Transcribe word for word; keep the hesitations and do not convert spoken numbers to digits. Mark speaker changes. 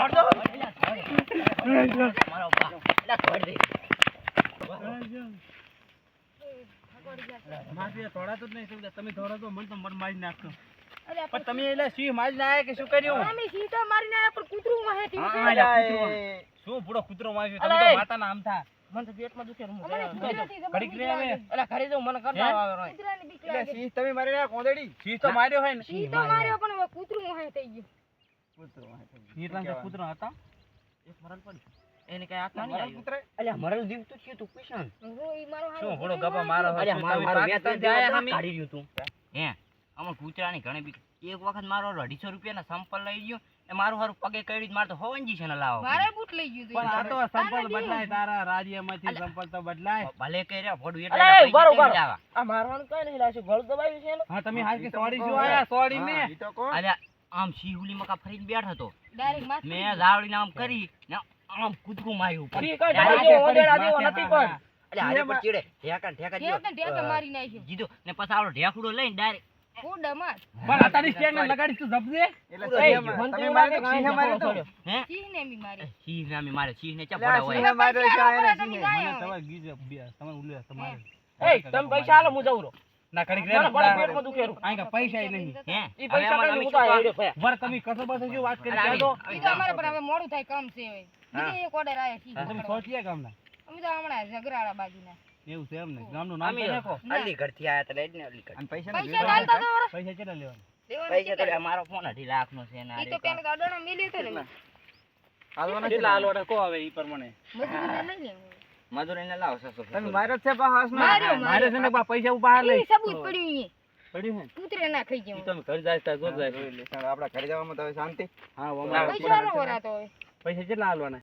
Speaker 1: ધોડ દો મારો બા એલા ધોડ દે
Speaker 2: માફી તોડાતો જ નહીં સમજા તમે ધોડો તો મન તો મન મારી નાખતો
Speaker 3: અરે
Speaker 2: પણ તમે એટલે સિંહ મારી ના કે શું કર્યું
Speaker 3: અમે સીધો મારીને આયા પણ કૂતરું વાહે થી
Speaker 2: હા, અલ્યા, કૂતરો. શું બુડો કૂતરો માર્યો તમે તો માતાના આમ થા
Speaker 1: મને તો પેટમાં દુખે હું
Speaker 3: અમને કૂતરાથી જબર
Speaker 2: ઘડીક રે હવે
Speaker 1: એલા ઘરે જાઉં મને કરતા આવે રોય
Speaker 3: કૂતરાની બીક
Speaker 4: એટલે
Speaker 3: લાગે
Speaker 4: સિંહ તમે મારી રહ્યા કોંદડી
Speaker 2: સિંહ તો માર્યો હોય ને
Speaker 3: સીધો માર્યો પણ હવે કૂતરું વાહે થઈ ગયું
Speaker 4: કૂતરો
Speaker 2: એટલા બધા કૂતરા હતા
Speaker 1: એક મરલ પડી એને કઈ હાથ ના
Speaker 4: મારા
Speaker 1: આવ્યું
Speaker 4: કૂતરા
Speaker 1: અલ્યા મરલ જીવ તો થયું તું કુશન
Speaker 3: હો ઈ મારો હારો
Speaker 2: શું બુડો ગપા મારો હતો?
Speaker 1: અલ્યા મારું
Speaker 2: તમે
Speaker 1: મારું
Speaker 2: પાકિસ્તાન
Speaker 1: વેતન
Speaker 2: થી આયા
Speaker 1: આયા
Speaker 2: હમી?
Speaker 1: કાઢી રહ્યું તું હે આમાં કૂતરાની ઘણી બીક એક વખત મારો અઢીસો રૂપિયાના સંપલ લઈ ગયો એ મારું હારું પગે કઈડી માર તો હોવંજી છે ને લાવો
Speaker 3: મારે બૂટ લઈ ગયું તું
Speaker 2: પણ આ તો સંપલ બદલાય તારા રાજ્યમાંથી સંપલ તો બદલાય
Speaker 1: ભલે કર્યા ભોડું
Speaker 3: અલા, એ
Speaker 1: એટલે
Speaker 3: ઉભા રહો,
Speaker 1: પૈસા
Speaker 3: ઉભા રહો.
Speaker 1: કેમ લાવા?
Speaker 3: આ મારવાનું કઈ નહીં લાવશે ગળ દબાવ્યું છે ને
Speaker 2: હા તમે હાલ કે સોડી શું આયા સોડી મે
Speaker 4: ઈ તો કોણ
Speaker 1: અલ્યા આમ શિહુલી મકા ફરીને બેઠો હતો
Speaker 3: ડાયરેક્ટ માથ
Speaker 1: મેં જાવડીને આમ કરી ને આમ કૂદકું માર્યું ઉપર.
Speaker 3: ફરી કઈ
Speaker 1: ડાયરેક્ટ
Speaker 3: ડાયરેક્ટ જેવો ઓંદેડા જેવો
Speaker 2: માથે
Speaker 3: નથી
Speaker 2: માથે.
Speaker 3: પણ
Speaker 1: અલ્યા હારે પર ચીડે ઢેકા ને ઢેકા
Speaker 3: ઢેક ને ઢેક
Speaker 1: દ્યો.
Speaker 3: મારી નાખ્યો
Speaker 1: જીધો ને પછી આવડો ઢેકડો લઈને ડાયરેક્ટ
Speaker 3: ફૂડા માર
Speaker 2: પણ આ તારી સ્ટેન્ડ ને લગાડી તું જપજે
Speaker 4: એટલે
Speaker 1: પૂરો
Speaker 4: સિંહે
Speaker 1: થઈ ગયો.
Speaker 4: મા-
Speaker 3: મને તો
Speaker 4: તમે
Speaker 3: એવું
Speaker 4: મારી
Speaker 3: લાગે
Speaker 4: સિંહે
Speaker 3: કે
Speaker 4: માર્યો તો
Speaker 3: છોડ્યો.
Speaker 1: હે
Speaker 3: સિંહ ને બી મારી
Speaker 1: સિંહ નામી મારે સિંહ ને ચા
Speaker 4: એટલે આ
Speaker 1: પડા હોય
Speaker 4: સિંહે માર્યો છે આ એને
Speaker 3: તમે
Speaker 4: સિંહે.
Speaker 3: જાય
Speaker 2: મને
Speaker 3: હવે.
Speaker 2: તમારે ગીજ બે તમારે ઉલ્લે તમારે
Speaker 3: એ તમે પૈસા હાલો હું જાઉં રહો
Speaker 2: ના કડીક
Speaker 3: મને બડા
Speaker 2: રે
Speaker 3: પેટમાં દુખે રહ્યું.
Speaker 2: આઈ કા પૈસા ય નહીં
Speaker 1: હે
Speaker 3: ઈ
Speaker 1: હવે
Speaker 3: પૈસા
Speaker 1: આમાં
Speaker 3: કઈ
Speaker 1: તમે
Speaker 3: હું તો
Speaker 1: શું
Speaker 3: હેડ્યો
Speaker 1: કરો?
Speaker 3: ભયા.
Speaker 2: વર તમે કસો બસો શું વાત કરી
Speaker 1: અરે
Speaker 2: ક્યાં તો
Speaker 1: આવી-
Speaker 3: ઈ તો અમારે પણ હવે મોડું થાય કામ છે હવે બીજે એક ઓર્ડર આયો સિંહ
Speaker 2: તમે
Speaker 3: પકડવા.
Speaker 2: સોચીએ ગામના
Speaker 3: અમે તો હમણાં ઝઘરાળા બાજુના
Speaker 2: એવું છે એમ ને ગામનું નામ
Speaker 1: અમે
Speaker 2: તો નાખો
Speaker 1: અલીગઢ થી આયા તા એટલે અલીગઢ
Speaker 4: અને પૈસાનો
Speaker 3: પૈસા
Speaker 4: વેપાર
Speaker 3: ચાલતા તો વરસ.
Speaker 2: પૈસા કેટલા લેવાના
Speaker 3: દેવાના
Speaker 1: પૈસા તો
Speaker 3: કેટલા?
Speaker 1: મારો ફોન અઢી લાખ નો છે ને
Speaker 3: ઈ તો પેલા તો અડાણા મેલ્યો હતો ને મેં.
Speaker 4: હાલવાના
Speaker 2: કેટલા
Speaker 4: છે.
Speaker 2: હાલવાના કહો હવે ઈ પ્રમાણે
Speaker 3: મજૂરીને લઈ લેવું.
Speaker 1: મજૂરી ને લાવો સસો
Speaker 4: તમે માર્યો જ છે પા હાસમાં?
Speaker 3: માર્યો,
Speaker 2: મારે છે ને બા પૈસા ઉભા લઈ
Speaker 3: ઈ સબૂત પડ્યું ઈ.
Speaker 2: પડ્યું છે
Speaker 3: કૂતરે ના ખાઈ
Speaker 2: ઈ
Speaker 3: ગયું.
Speaker 2: તમે ઘર જાય ત્યાં જોત જાય
Speaker 4: જોઈ લે. ચાલો, આપણા ઘરે જવામાં તો હવે શાંતિ
Speaker 2: હા અમારે
Speaker 3: પૈસા નો વરાતો હવે.
Speaker 2: પૈસા કેટલા હાલવાના